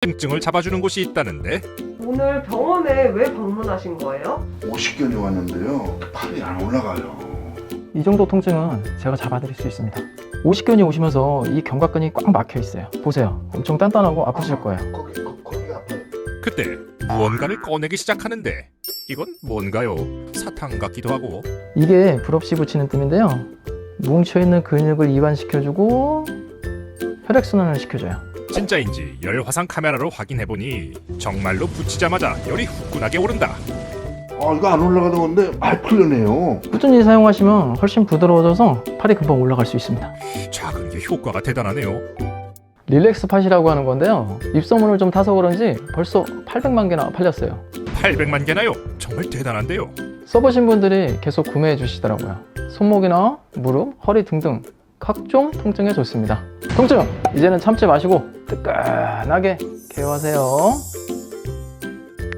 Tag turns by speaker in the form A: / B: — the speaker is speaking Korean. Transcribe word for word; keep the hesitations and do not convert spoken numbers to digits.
A: 통증을 잡아주는 곳이 있다는데
B: 오늘 병원에 왜 방문하신 거예요?
C: 오십견이 왔는데요. 팔이 안 올라가요.
D: 이 정도 통증은 제가 잡아드릴 수 있습니다. 오십견이 오시면서 이 견갑근이 꽉 막혀 있어요. 보세요. 엄청 단단하고 아프실 거예요.
C: 거기, 거, 거기 아파요.
A: 그때 무언가를 꺼내기 시작하는데 이건 뭔가요? 사탕 같기도 하고.
D: 이게 불없이 붙이는 뜸인데요. 뭉쳐있는 근육을 이완시켜주고 혈액순환을 시켜줘요.
A: 진짜인지 열 화상 카메라로 확인해보니 정말로 붙이자마자 열이 후끈하게 오른다.
C: 아, 이거 안 올라가던 건데 많이 풀려네요.
D: 꾸준히 사용하시면 훨씬 부드러워져서 팔이 금방 올라갈 수 있습니다.
A: 작은 게 효과가 대단하네요.
D: 릴렉스 팟이라고 하는 건데요. 입소문을 좀 타서 그런지 벌써 팔백만 개나 팔렸어요.
A: 팔백만 개나요? 정말 대단한데요.
D: 써보신 분들이 계속 구매해 주시더라고요. 손목이나 무릎, 허리 등등 각종 통증에 좋습니다. 통증! 이제는 참지 마시고 뜨끈하게 케어하세요.